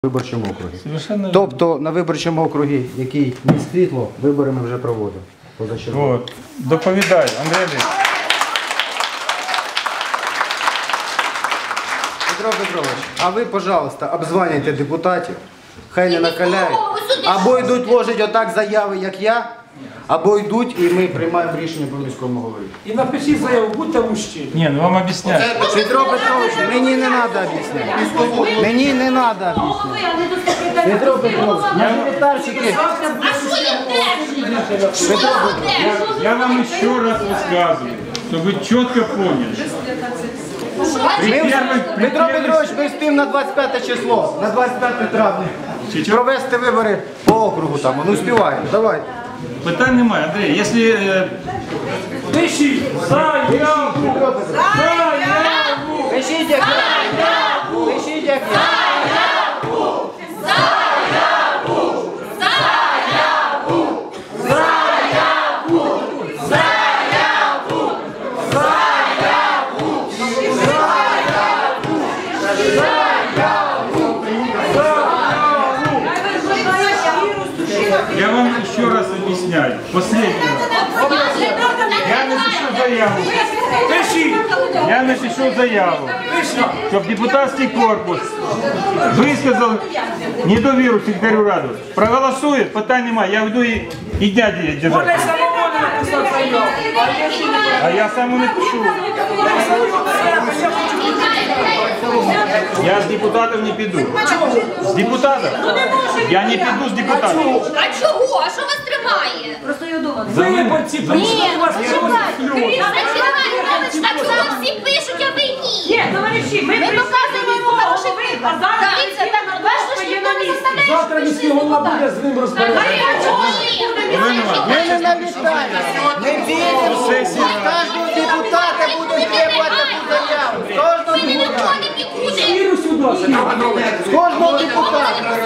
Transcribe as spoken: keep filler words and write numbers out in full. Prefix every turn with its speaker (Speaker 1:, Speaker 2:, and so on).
Speaker 1: виборчому округі.
Speaker 2: Совершенно
Speaker 1: Тобто на виборчому округі, який міст Світло, вибори ми вже проводимо. Позачергово.
Speaker 2: Вот. Доповідай, Андрій Андрійович.
Speaker 1: Петро Петрович, а ви, пожалуйста, обзванюйте депутатів, хай не накаляють. Або йдуть ложить отак заяви, як я, або йдуть і ми приймаємо рішення по міському голові.
Speaker 3: І напишіть заяву, будьте мужчини.
Speaker 2: Ні, ну вам об'ясняю.
Speaker 1: Петро Петрович, мені не треба об'ясняти. Мені не треба об'ясняти. Петро Петрович, мажоритарщики.
Speaker 2: Я, я вам еще раз рассказываю, чтобы вы четко поняли.
Speaker 1: Ми вже, Петро Петрович, ми встигнемо на двадцять п'яте число, на двадцять п'яте травня. Провести вибори по округу там, ну співаємо, давайте.
Speaker 2: Питань немає, Андрій, якщо... Е...
Speaker 3: Пишіть заяву!
Speaker 1: Заяву! Пишіть як я! Пишіть як я!
Speaker 4: Заяву! Заяву! Заяву! Заяву! Заяву!
Speaker 2: Я вам еще раз объясняю. Последний раз. Я напишу заяву.
Speaker 3: Пишіть!
Speaker 2: Я напишу заяву, щоб депутатський корпус висказав недовіру секретарю ради. Проголосує, питань немає. Я йду і, і дяді
Speaker 3: Можна
Speaker 2: держати.
Speaker 3: самому написати заяву.
Speaker 2: А я сам не пишу. Я з депутатів не піду. З депутатів? Я не піду з депутатів.
Speaker 4: А чого? А що вас тримає?
Speaker 3: Виборці прийшли, у вас є
Speaker 4: Так що всі пишуть, а ви ні.
Speaker 5: Ні, товариші, ми
Speaker 4: Ми показуємо йому хороший
Speaker 5: а
Speaker 4: приклад.
Speaker 5: зараз
Speaker 4: Дивіться, так бачите, що ніхто не заставляє, що
Speaker 3: завтра
Speaker 4: прийшли
Speaker 3: міський голова буде
Speaker 4: депутати.
Speaker 3: з ним розбиратися.
Speaker 1: Ми не налітаємо. Ми віримо, що з кожного депутата буде требувати таку заяву. З кожного
Speaker 4: Ніхто
Speaker 1: депутата.
Speaker 4: не підходить.
Speaker 3: Віру сюди.
Speaker 1: З кожного депутата.